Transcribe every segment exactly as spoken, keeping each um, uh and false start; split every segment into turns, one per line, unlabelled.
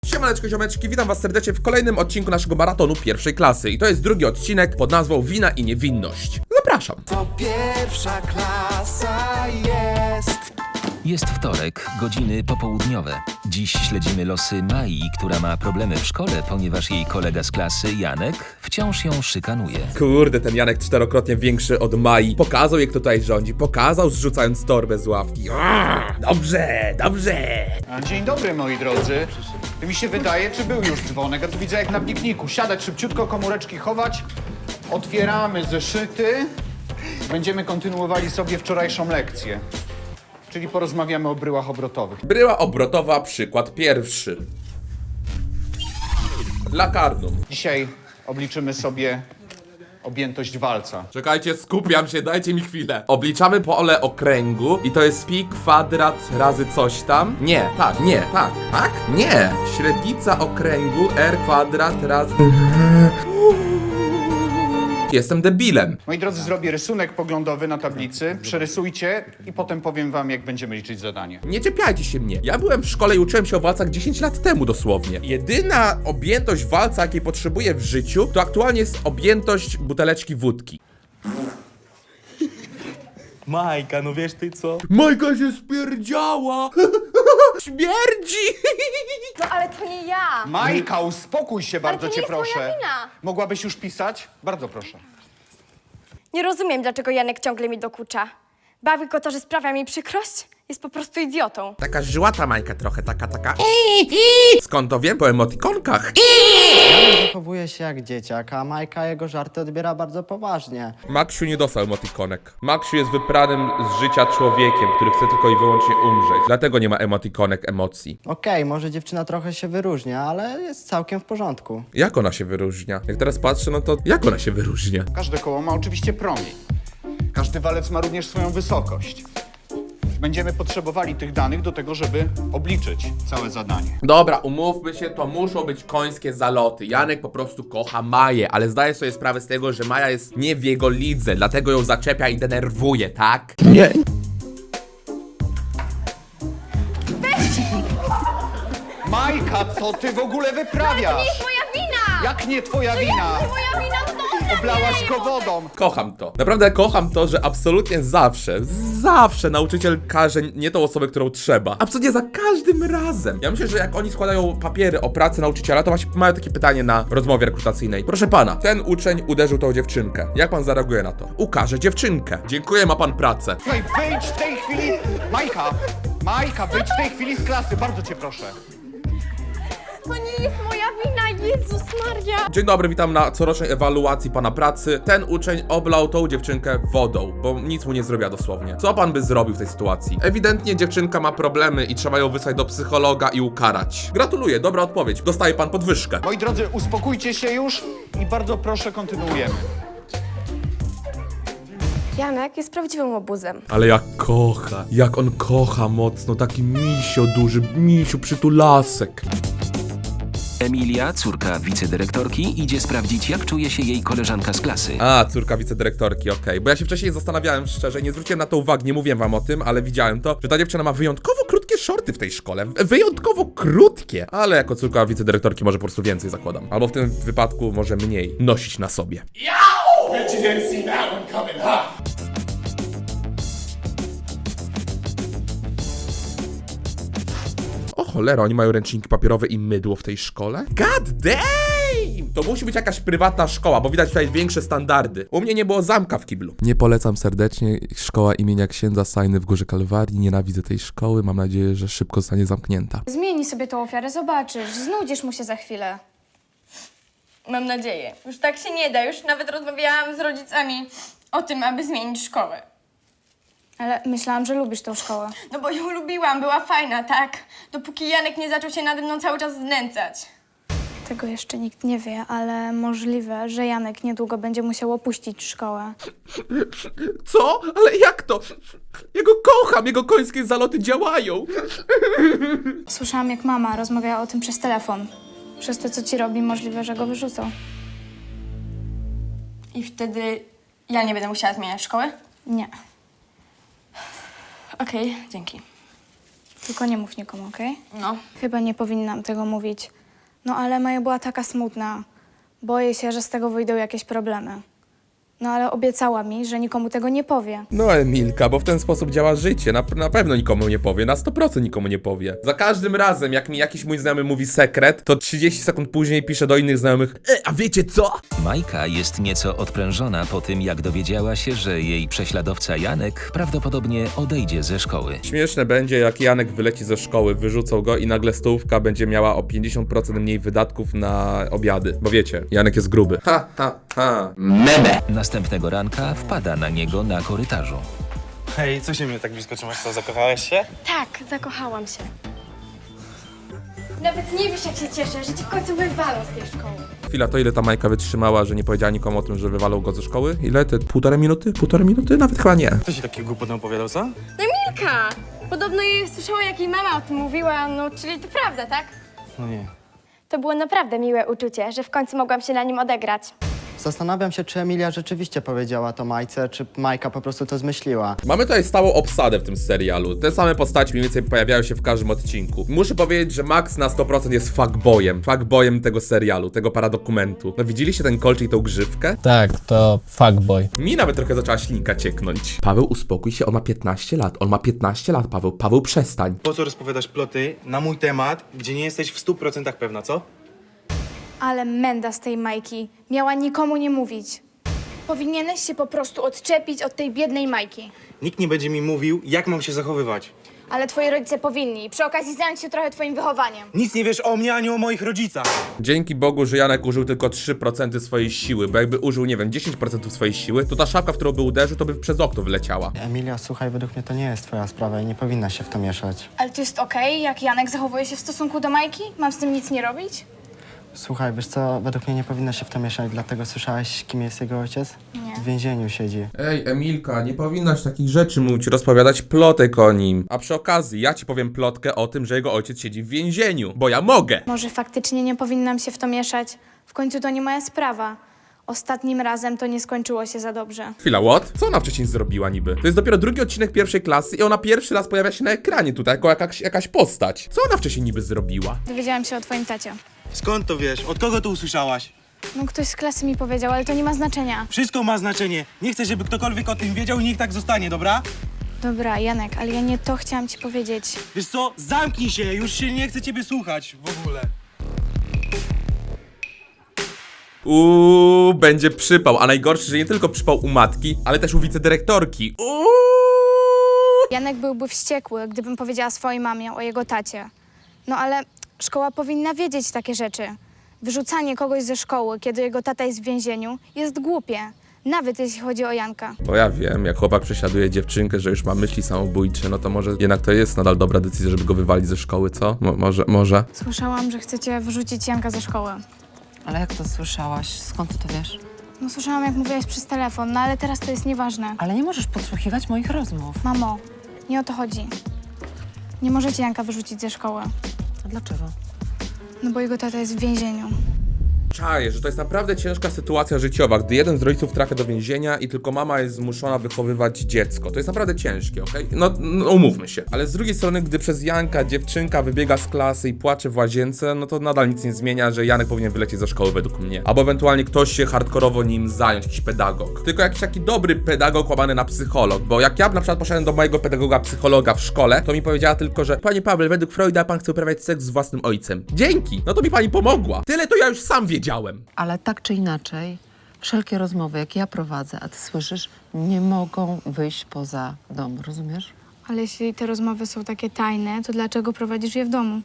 Siemaneczko, ziomeczki, witam was serdecznie w kolejnym odcinku naszego maratonu pierwszej klasy. I to jest drugi odcinek pod nazwą Wina i niewinność. Zapraszam.
To pierwsza klasa jest.
Jest wtorek, godziny popołudniowe. Dziś śledzimy losy Mai, która ma problemy w szkole, ponieważ jej kolega z klasy, Janek, wciąż ją szykanuje.
Kurde, ten Janek czterokrotnie większy od Mai. Pokazał, jak tutaj rządzi. Pokazał, zrzucając torbę z ławki. Aaa, dobrze, dobrze.
A, Dzień dobry, moi drodzy. To mi się wydaje, czy był już dzwonek? A tu widzę jak na pikniku. Siadać szybciutko, komóreczki chować. Otwieramy zeszyty. Będziemy kontynuowali sobie wczorajszą lekcję. Czyli porozmawiamy o bryłach obrotowych.
Bryła obrotowa, przykład pierwszy. Lakarnum.
Dzisiaj obliczymy sobie objętość walca.
Czekajcie, skupiam się, dajcie mi chwilę. Obliczamy pole okręgu i to jest pi kwadrat razy coś tam. Nie, tak, nie, tak, tak, nie. Średnica okręgu r kwadrat razy... Jestem debilem.
Moi drodzy, zrobię rysunek poglądowy na tablicy. Przerysujcie i potem powiem wam, jak będziemy liczyć zadanie.
Nie czepiajcie się mnie. Ja byłem w szkole i uczyłem się o walcach dziesięć lat temu dosłownie. Jedyna objętość walca, jakiej potrzebuję w życiu, to aktualnie jest objętość buteleczki wódki.
Majka, no wiesz ty co?
Majka się spierdziała! Śmierdzi!
No ale to nie ja!
Majka, uspokój się, bardzo
to nie
cię
jest moja
proszę.
wina.
Mogłabyś już pisać? Bardzo proszę.
Nie rozumiem, dlaczego Janek ciągle mi dokucza. Bawi go to, że sprawia mi przykrość? Jest po prostu idiotą.
Taka żyłata Majka trochę, taka, taka... Skąd to wiem? Po emotikonkach.
Janek zachowuje się jak dzieciak, a Majka jego żarty odbiera bardzo poważnie.
Maksiu nie dostał emotikonek. Maksiu jest wypranym z życia człowiekiem, który chce tylko i wyłącznie umrzeć. Dlatego nie ma emotikonek emocji.
Okej, może dziewczyna trochę się wyróżnia, ale jest całkiem w porządku.
Jak ona się wyróżnia? Jak teraz patrzę, no to jak ona się wyróżnia?
Każde koło ma oczywiście promień. Każdy walec ma również swoją wysokość. Będziemy potrzebowali tych danych do tego, żeby obliczyć całe zadanie.
Dobra, umówmy się, to muszą być końskie zaloty. Janek po prostu kocha Maję, ale zdaje sobie sprawę z tego, że Maja jest nie w jego lidze, dlatego ją zaczepia i denerwuje, tak?
Nie.
Majka, co ty w ogóle wyprawiasz?
To jest moja wina!
Jak nie twoja wina?
Moja wina, no to
Oblałaś go wodą.
Kocham to. Naprawdę kocham to, że absolutnie zawsze, zawsze nauczyciel każe nie tą osobę, którą trzeba. Absolutnie za każdym razem. Ja myślę, że jak oni składają papiery o pracę nauczyciela, to właśnie mają takie pytanie na rozmowie rekrutacyjnej. Proszę pana, ten uczeń uderzył tą dziewczynkę. Jak pan zareaguje na to? Ukaże dziewczynkę. Dziękuję, ma pan pracę.
Słuchaj, wyjdź w tej chwili. Majka, Majka, wyjdź w tej chwili z klasy, bardzo cię proszę.
To nie jest moja wina, Jezus Maria!
Dzień dobry, witam na corocznej ewaluacji pana pracy. Ten uczeń oblał tą dziewczynkę wodą, bo nic mu nie zrobiła dosłownie. Co pan by zrobił w tej sytuacji? Ewidentnie dziewczynka ma problemy i trzeba ją wysłać do psychologa i ukarać. Gratuluję, dobra odpowiedź. Dostaje pan podwyżkę.
Moi drodzy, uspokójcie się już i bardzo proszę, kontynuujemy.
Janek jest prawdziwym łobuzem.
Ale jak kocha, jak on kocha mocno, taki misio duży, misiu przytulasek.
Emilia, córka wicedyrektorki, idzie sprawdzić, jak czuje się jej koleżanka z klasy.
A, córka wicedyrektorki, okej. Bo ja się wcześniej zastanawiałem szczerze, nie zwróciłem na to uwagi, nie mówiłem wam o tym, ale widziałem to, że ta dziewczyna ma wyjątkowo krótkie shorty w tej szkole. Wyjątkowo krótkie. Ale jako córka wicedyrektorki może po prostu więcej zakładam. Albo w tym wypadku może mniej nosić na sobie. O cholera, oni mają ręczniki papierowe i mydło w tej szkole? God damn! To musi być jakaś prywatna szkoła, bo widać tutaj większe standardy. U mnie nie było zamka w kiblu. Nie polecam serdecznie. Szkoła imienia księdza Sajny w Górze Kalwarii. Nienawidzę tej szkoły. Mam nadzieję, że szybko zostanie zamknięta.
Zmieni sobie tą ofiarę, zobaczysz. Znudzisz mu się za chwilę. Mam nadzieję. Już tak się nie da. Już nawet rozmawiałam z rodzicami o tym, aby zmienić szkołę.
Ale myślałam, że lubisz tą szkołę.
No bo ją lubiłam, była fajna, tak? Dopóki Janek nie zaczął się nade mną cały czas znęcać.
Tego jeszcze nikt nie wie, ale możliwe, że Janek niedługo będzie musiał opuścić szkołę.
Co? Ale jak to? Jego kocham, jego końskie zaloty działają.
Słyszałam, jak mama rozmawiała o tym przez telefon. Przez to, co ci robi, możliwe, że go wyrzucą.
I wtedy ja nie będę musiała zmieniać szkoły?
Nie.
Okej, dzięki.
Tylko nie mów nikomu, okej?
No.
Chyba nie powinnam tego mówić. No ale Maja była taka smutna. Boję się, że z tego wyjdą jakieś problemy. No ale obiecała mi, że nikomu tego nie powie.
No Emilka, bo w ten sposób działa życie. Na, na pewno nikomu nie powie, na sto procent nikomu nie powie. Za każdym razem, jak mi jakiś mój znajomy mówi sekret, to trzydzieści sekund później pisze do innych znajomych: E, a wiecie co?
Majka jest nieco odprężona po tym, jak dowiedziała się, że jej prześladowca Janek prawdopodobnie odejdzie ze szkoły.
Śmieszne będzie, jak Janek wyleci ze szkoły, wyrzucą go i nagle stołówka będzie miała o pięćdziesiąt procent mniej wydatków na obiady. Bo wiecie, Janek jest gruby. Ha, ha, ha.
Następnego ranka wpada na niego na korytarzu.
Hej, co się mnie tak blisko trzymasz? Co, zakochałeś się?
Tak, zakochałam się. Nawet nie wiesz, jak się cieszę, że ci w końcu wywalą z tej szkoły.
Chwila, to ile ta Majka wytrzymała, że nie powiedziała nikomu o tym, że wywalą go ze szkoły? Ile? Te półtorej minuty? Półtorej minuty? Nawet chyba nie.
Kto ci taki głupot opowiadał, co?
No Milka! Podobno jej słyszała, jak jej mama o tym mówiła, no czyli to prawda, tak?
No nie.
To było naprawdę miłe uczucie, że w końcu mogłam się na nim odegrać.
Zastanawiam się, czy Emilia rzeczywiście powiedziała to Majce, czy Majka po prostu to zmyśliła.
Mamy tutaj stałą obsadę w tym serialu. Te same postaci mniej więcej pojawiają się w każdym odcinku. Muszę powiedzieć, że Max na sto procent jest fuckboyem. Fuckboyem tego serialu, tego paradokumentu. No widzieliście ten kolczyk i tą grzywkę?
Tak, to fuckboy.
Mi nawet trochę zaczęła ślinka cieknąć. Paweł, uspokój się, on ma piętnaście lat. On ma piętnaście lat, Paweł. Paweł, przestań.
Po co rozpowiadasz ploty na mój temat, gdzie nie jesteś w stu procentach pewna, co?
Ale menda z tej Majki. Miała nikomu nie mówić. Powinieneś się po prostu odczepić od tej biednej Majki.
Nikt nie będzie mi mówił, jak mam się zachowywać.
Ale twoi rodzice powinni. Przy okazji zająć się trochę twoim wychowaniem.
Nic nie wiesz o mnie, ani o moich rodzicach.
Dzięki Bogu, że Janek użył tylko trzy procent swojej siły, bo jakby użył, nie wiem, dziesięć procent swojej siły, to ta szafka, w którą by uderzył, to by przez okno wyleciała.
Emilia, słuchaj, według mnie to nie jest twoja sprawa i nie powinna się w to mieszać.
Ale to jest okej, jak Janek zachowuje się w stosunku do Majki? Mam z tym nic nie robić?
Słuchaj, wiesz co, według mnie nie powinna się w to mieszać, dlatego słyszałeś, kim jest jego ojciec?
Nie.
W więzieniu siedzi.
Ej, Emilka, nie powinnaś takich rzeczy mówić, rozpowiadać plotek o nim. A przy okazji, ja ci powiem plotkę o tym, że jego ojciec siedzi w więzieniu, bo ja mogę.
Może faktycznie nie powinnam się w to mieszać? W końcu to nie moja sprawa. Ostatnim razem to nie skończyło się za dobrze.
Chwila, what? Co ona wcześniej zrobiła niby? To jest dopiero drugi odcinek pierwszej klasy i ona pierwszy raz pojawia się na ekranie tutaj jako jakaś, jakaś postać. Co ona wcześniej niby zrobiła?
Dowiedziałam się o twoim tacie.
Skąd to wiesz? Od kogo to usłyszałaś?
No ktoś z klasy mi powiedział, ale to nie ma znaczenia.
Wszystko ma znaczenie. Nie chcę, żeby ktokolwiek o tym wiedział i niech tak zostanie, dobra?
Dobra, Janek, ale ja nie to chciałam ci powiedzieć.
Wiesz co? Zamknij się, już się nie chcę ciebie słuchać w ogóle.
Uuu, będzie przypał, a najgorsze, że nie tylko przypał u matki, ale też u wicedyrektorki. Uuu.
Janek byłby wściekły, gdybym powiedziała swojej mamie o jego tacie. No ale szkoła powinna wiedzieć takie rzeczy. Wyrzucanie kogoś ze szkoły, kiedy jego tata jest w więzieniu, jest głupie. Nawet jeśli chodzi o Janka.
Bo ja wiem, jak chłopak prześladuje dziewczynkę, że już ma myśli samobójcze, no to może jednak to jest nadal dobra decyzja, żeby go wywalić ze szkoły, co? Mo może, może?
Słyszałam, że chcecie wyrzucić Janka ze szkoły.
Ale jak to słyszałaś? Skąd ty to wiesz?
No słyszałam, jak mówiłaś przez telefon, no ale teraz to jest nieważne.
Ale nie możesz podsłuchiwać moich rozmów.
Mamo, nie o to chodzi. Nie możecie Janka wyrzucić ze szkoły,
A dlaczego?
no bo jego tata jest w więzieniu.
Czaję, że to jest naprawdę ciężka sytuacja życiowa, gdy jeden z rodziców trafia do więzienia i tylko mama jest zmuszona wychowywać dziecko. To jest naprawdę ciężkie, okej? No, no umówmy się. Ale z drugiej strony, gdy przez Janka dziewczynka wybiega z klasy i płacze w łazience, no to nadal nic nie zmienia, że Janek powinien wylecieć ze szkoły według mnie. Albo ewentualnie ktoś się hardkorowo nim zająć, jakiś pedagog. Tylko jakiś taki dobry pedagog łamany na psycholog, bo jak ja na przykład poszedłem do mojego pedagoga psychologa w szkole, to mi powiedziała tylko, że panie Paweł, według Freuda pan chce uprawiać seks z własnym ojcem. Dzięki! No to mi pani pomogła. Tyle to ja już sam wiedziałem.
Ale tak czy inaczej, wszelkie rozmowy, jakie ja prowadzę, a ty słyszysz, nie mogą wyjść poza dom, rozumiesz?
Ale jeśli te rozmowy są takie tajne, to dlaczego prowadzisz je w domu?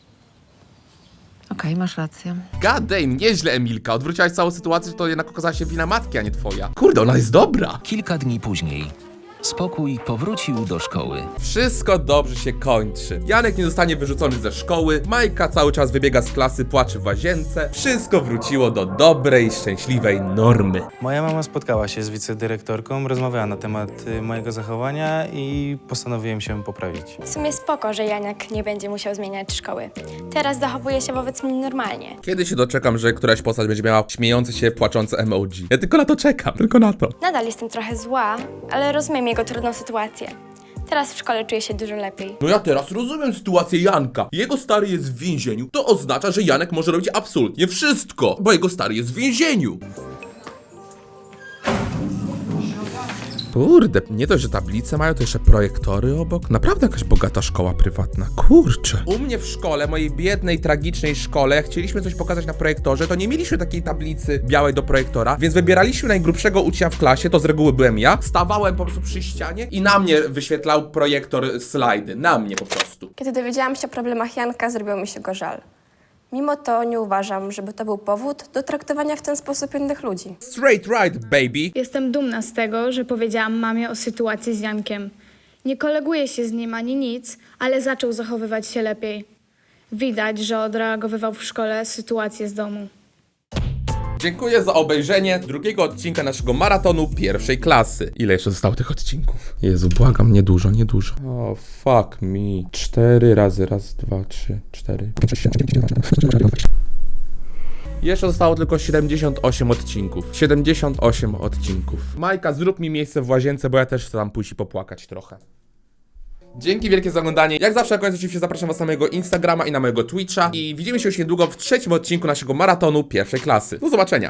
Okej, masz rację.
God damn, nieźle Emilka. Odwróciłaś całą sytuację, że to jednak okazała się wina matki, a nie twoja. Kurde, ona jest dobra.
Kilka dni później spokój powrócił do szkoły.
Wszystko dobrze się kończy. Janek nie zostanie wyrzucony ze szkoły, Majka cały czas wybiega z klasy, płacze w łazience. Wszystko wróciło do dobrej, szczęśliwej normy.
Moja mama spotkała się z wicedyrektorką, rozmawiała na temat y, mojego zachowania i postanowiłem się poprawić.
W sumie spoko, że Janek nie będzie musiał zmieniać szkoły. Teraz zachowuje się wobec mnie normalnie.
Kiedy się doczekam, że któraś postać będzie miała śmiejące się, płaczące emoji? Ja tylko na to czekam, tylko na to.
Nadal jestem trochę zła, ale rozumiem jego trudną sytuację. Teraz w szkole czuję się dużo lepiej.
No ja teraz rozumiem sytuację Janka. Jego stary jest w więzieniu. To oznacza, że Janek może robić absolutnie wszystko, bo jego stary jest w więzieniu. Kurde, nie dość, że tablice mają, to jeszcze projektory obok. Naprawdę jakaś bogata szkoła prywatna, kurczę. U mnie w szkole, mojej biednej, tragicznej szkole, jak chcieliśmy coś pokazać na projektorze, to nie mieliśmy takiej tablicy białej do projektora, więc wybieraliśmy najgrubszego ucznia w klasie, to z reguły byłem ja, stawałem po prostu przy ścianie i na mnie wyświetlał projektor slajdy, na mnie po prostu.
Kiedy dowiedziałam się o problemach Janka, zrobiło mi się go żal. Mimo to nie uważam, żeby to był powód do traktowania w ten sposób innych ludzi.
Straight right, baby.
Jestem dumna z tego, że powiedziałam mamie o sytuacji z Jankiem. Nie koleguję się z nim ani nic, ale zaczął zachowywać się lepiej. Widać, że odreagowywał w szkole sytuację z domu.
Dziękuję za obejrzenie drugiego odcinka naszego maratonu pierwszej klasy. Ile jeszcze zostało tych odcinków? Jezu, błagam, niedużo, niedużo. O, oh, fuck me. Cztery razy, raz, dwa, trzy, cztery, pięć, sześć, siedem, osiem, dziewięć. Jeszcze zostało tylko siedemdziesiąt osiem odcinków. siedemdziesiąt osiem odcinków. Majka, zrób mi miejsce w łazience, bo ja też chcę tam pójść i popłakać trochę. Dzięki wielkie za oglądanie. Jak zawsze na koniec oczywiście zapraszam was na mojego Instagrama i na mojego Twitcha. I widzimy się już niedługo w trzecim odcinku naszego maratonu pierwszej klasy. Do zobaczenia.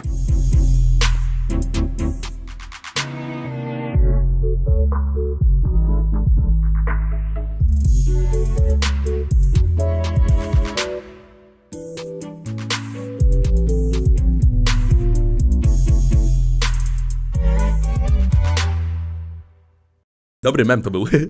Dobry mem to był.